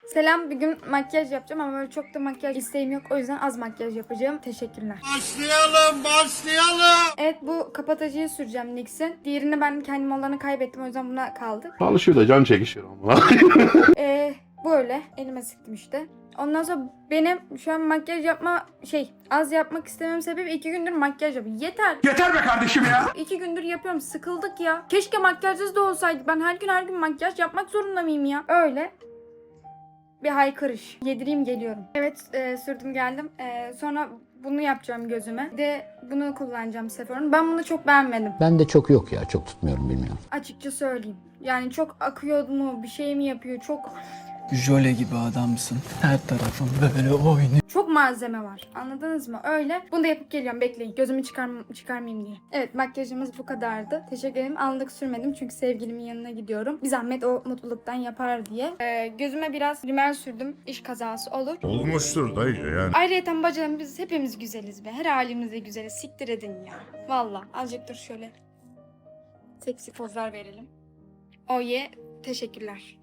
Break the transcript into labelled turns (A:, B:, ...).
A: Selam, bugün makyaj yapacağım ama böyle çok da makyaj isteğim yok. O yüzden az makyaj yapacağım. Teşekkürler.
B: Başlayalım.
A: Evet, bu kapatıcıyı süreceğim NYX'in. Diğerini ben kendim olanı kaybettim, o yüzden buna kaldı.
C: Alışıyor da can çekişiyor ama.
A: Böyle elime sıktım işte. Ondan sonra benim şu an makyaj az yapmak istemem sebebi 2 gündür makyaj yapıyorum. Yeter be kardeşim ya. 2 gündür yapıyorum, sıkıldık ya. Keşke makyajsız da olsaydı. Ben her gün makyaj yapmak zorunda mıyım ya? Öyle. Bir haykırış. Yedireyim geliyorum. Evet, sürdüm geldim. Sonra bunu yapacağım gözüme. Bir de bunu kullanacağım Sephora'nın. Ben bunu çok beğenmedim.
D: Ben de çok yok ya. Çok tutmuyorum, bilmiyorum.
A: Açıkça söyleyeyim. Yani çok akıyor mu, bir şey mi yapıyor? Çok
E: Jöle gibi adamsın. Her tarafın böyle oynuyor.
A: çok malzeme var. Anladınız mı? Öyle. Bunu da yapıp geliyorum. Bekleyin. Gözümü çıkarmayayım diye. Evet, makyajımız bu kadardı. Teşekkür ederim. Anlık sürmedim çünkü sevgilimin yanına gidiyorum. Bir zahmet o mutluluktan yapar diye. Gözüme biraz rimel sürdüm. İş kazası olur.
B: Olmuştur dayı yani.
A: Ayrıyeten bacım, biz hepimiz güzeliz be. Her halimizde güzeliz. Siktir edin ya. Valla. Azıcık dur şöyle. Seksi pozlar verelim. Teşekkürler.